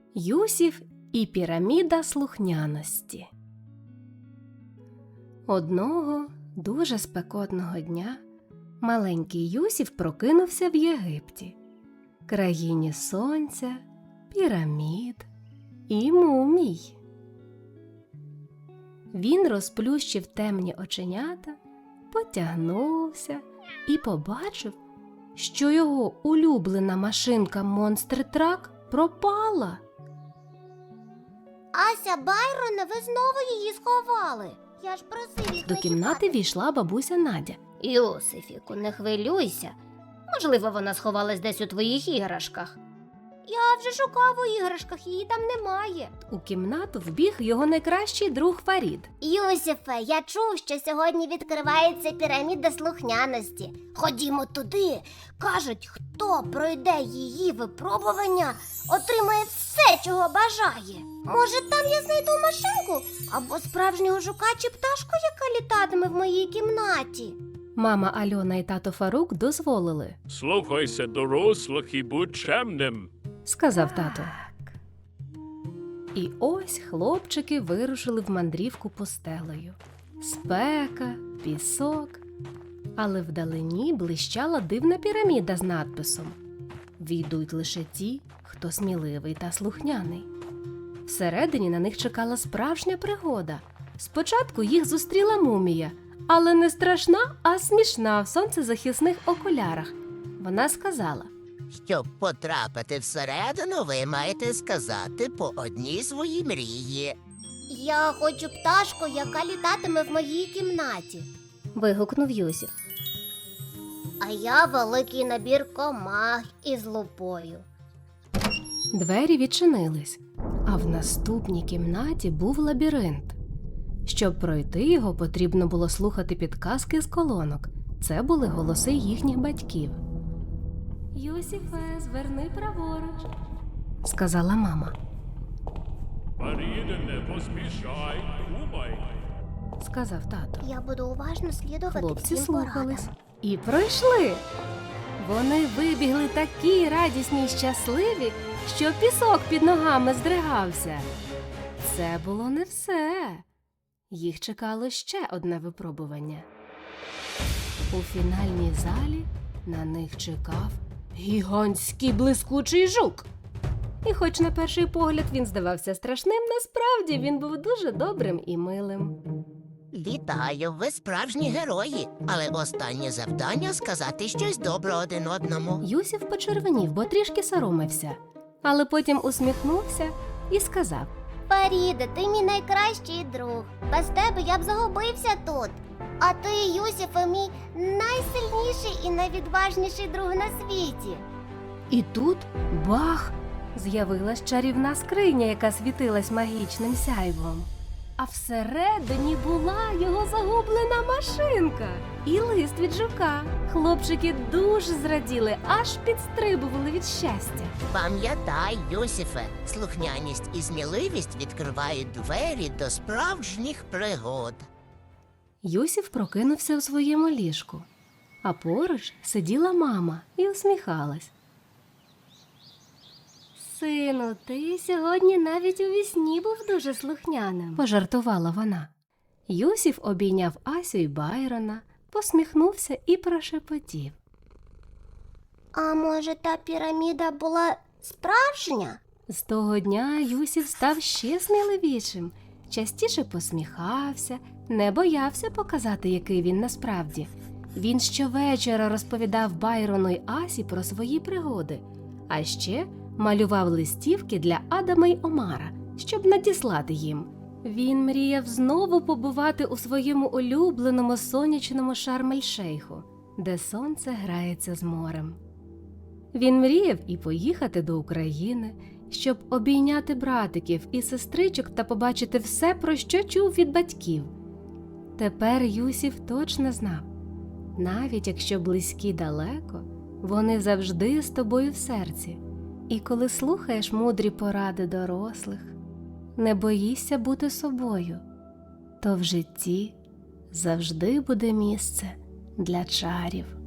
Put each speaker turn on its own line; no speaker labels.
Юсів і піраміда слухняності. Одного дуже спекотного дня маленький Юсів прокинувся в Єгипті, країні сонця, пірамід і мумій. Він розплющив темні оченята, потягнувся і побачив, що його улюблена машинка Monster Truck пропала.
Ася, Байроне, ви знову її сховали. Я ж просив їх
До
не
кімнати
чіпати.
війшла бабуся Надя.
Йосифіку, не хвилюйся. Можливо, вона сховалась десь у твоїх іграшках.
Я вже шукав у іграшках, її там немає.
У кімнату вбіг його найкращий друг Фарід.
Юсифе, я чув, що сьогодні відкривається піраміда слухняності. Ходімо туди. Кажуть, хто пройде її випробування, отримає все, чого бажає. Може, там я знайду машинку? Або справжнього жука чи пташку, яка літатиме в моїй кімнаті.
Мама Альона і тато Фарук дозволили,
Слухайся дорослих і будь чемним.
сказав тато. І ось хлопчики вирушили в мандрівку пустелею. Спека, пісок, але вдалині блищала дивна піраміда з надписом: «Війдуть лише ті, хто сміливий та слухняний». Всередині на них чекала справжня пригода. Спочатку їх зустріла мумія, але не страшна, а смішна в сонцезахисних окулярах. Вона сказала:
Щоб потрапити всередину, ви маєте сказати по одній своїй мрії.
Я хочу пташку, яка літатиме в моїй кімнаті.
Вигукнув Юсів.
А я великий набір комах із лупою.
Двері відчинились, а в наступній кімнаті був лабіринт. Щоб пройти його, потрібно було слухати підказки з колонок. Це були голоси їхніх батьків. «Юсіфе, зверни праворуч», – сказала мама.
Фаріде, не поспішай, думай.
– сказав тато.
Я буду уважно слідувати
Хлопці
всім
слухались
порадам.
і пройшли. Вони вибігли такі радісні й щасливі, що пісок під ногами здригався. Це було не все. Їх чекало ще одне випробування. У фінальній залі на них чекав гігантський блискучий жук. І хоч на перший погляд він здавався страшним, насправді він був дуже добрим і милим.
Вітаю, ви справжні герої, але останнє завдання – сказати щось добре один одному.
Юсів почервонів, бо трішки соромився, але потім усміхнувся і сказав:
Фаріде, ти мій найкращий друг. Без тебе я б загубився тут. А ти, Юсифе, мій найсильніший і найвідважніший друг на світі.
І тут бах! З'явилась чарівна скриня, яка світилась магічним сяйвом. А всередині була його загублена машинка і лист від жука. Хлопчики дуже зраділи, аж підстрибували від щастя.
Пам'ятай, Юсифе, слухняність і сміливість відкривають двері до справжніх пригод.
Юсів прокинувся у своєму ліжку, а поруч сиділа мама і усміхалась. «Сину, ти сьогодні навіть у вісні був дуже слухняним», – пожартувала вона. Юсів обійняв Асю й Байрона, посміхнувся і прошепотів.
А може, та піраміда була справжня?
З того дня Юсів став ще сміливішим, частіше посміхався, не боявся показати, який він насправді. Він щовечора розповідав Байрону й Асі про свої пригоди, а ще малював листівки для Адама й Омара, щоб надіслати їм. Він мріяв знову побувати у своєму улюбленому сонячному Шарм-ель-Шейху, де сонце грається з морем. Він мріяв і поїхати до України, щоб обійняти братиків і сестричок та побачити все, про що чув від батьків. Тепер Юсів точно знав, навіть якщо близькі далеко, вони завжди з тобою в серці. І коли слухаєш мудрі поради дорослих, не боїшся бути собою, то в житті завжди буде місце для чарів.